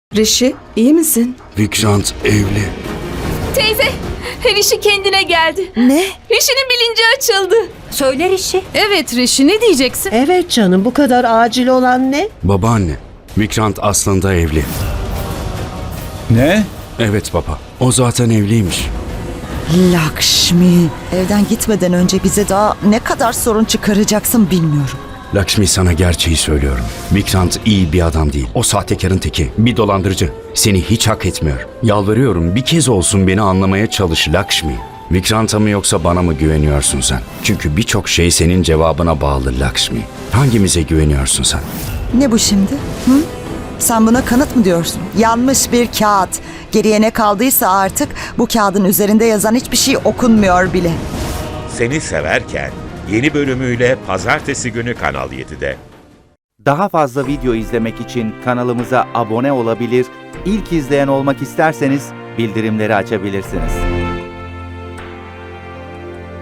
Rishi, iyi misin? Vikrant evli. Teyze, Rishi kendine geldi. Ne? Rishi'nin bilinci açıldı. Söyle Rishi. Evet Rishi, ne diyeceksin? Evet canım, bu kadar acil olan ne? Babaanne, Vikrant aslında evli. Ne? Evet baba, o zaten evliymiş. Lakshmi, evden gitmeden önce bize daha ne kadar sorun çıkaracaksın bilmiyorum. Lakshmi, sana gerçeği söylüyorum. Vikrant iyi bir adam değil. O sahtekarın teki, bir dolandırıcı. Seni hiç hak etmiyor. Yalvarıyorum, bir kez olsun beni anlamaya çalış Lakshmi. Vikrant'a mı yoksa bana mı güveniyorsun sen? Çünkü birçok şey senin cevabına bağlı Lakshmi. Hangimize güveniyorsun sen? Ne bu şimdi? Hı? Sen buna kanıt mı diyorsun? Yanmış bir kağıt. Geriye ne kaldıysa artık bu kağıdın üzerinde yazan hiçbir şey okunmuyor bile. Seni Severken yeni bölümüyle pazartesi günü Kanal 7'de. Daha fazla video izlemek için kanalımıza abone olabilir, ilk izleyen olmak isterseniz bildirimleri açabilirsiniz.